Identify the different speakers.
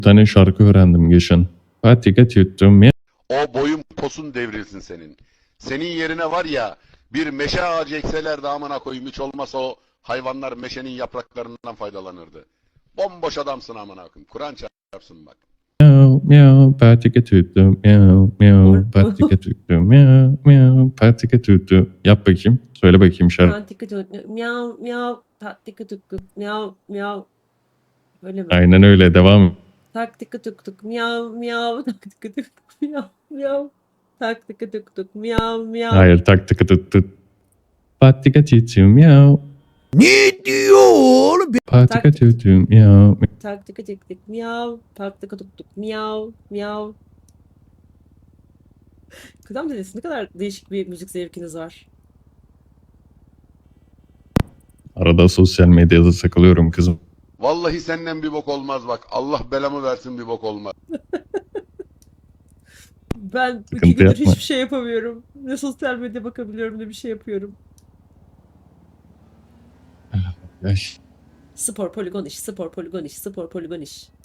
Speaker 1: Bir tane şarkı öğrendim geçen. Patika tuttum ya.
Speaker 2: O boyun posun devrilsin senin. Senin yerine var ya bir meşe ağacı ekseler de amına koyayım, hiç olmazsa o hayvanlar meşenin yapraklarından faydalanırdı. Bomboş adamsın amına koyayım. Kur'an çarpsın bak.
Speaker 1: Miau miau patika tuttum miau miau patika tuttum miau miau patika tuttum. Yap bakayım. Söyle bakayım şarkı.
Speaker 3: Patika tuttum. Miau miau. Patika tuttum. Miau miau. Öyle mi?
Speaker 1: Aynen öyle devam.
Speaker 3: Taktika tuk tuk miau miau. Taktika tuk tuk miau miau. Taktika tuk tuk miau miau.
Speaker 1: Hayır taktika tuttu. Patika tuttum miau.
Speaker 4: Ne diyor oğlum?
Speaker 1: Patika tuttum miau.
Speaker 3: Taktika tuk tuk miau. Taktika tuk tuk miau miau. Kıdem dedesi, ne kadar değişik bir müzik zevkiniz var.
Speaker 1: Arada sosyal medyada takılıyorum kızım.
Speaker 2: Vallahi senden bir bok olmaz bak. Allah belamı versin, bir bok olmaz.
Speaker 3: Ben 2
Speaker 1: Sıkıntı
Speaker 3: gündür
Speaker 1: yapma.
Speaker 3: hiçbir şey yapamıyorum. Ne sosyal medya bakabiliyorum ne bir şey yapıyorum.
Speaker 1: Ay.
Speaker 3: Spor poligon iş, spor poligon iş, spor poligon iş.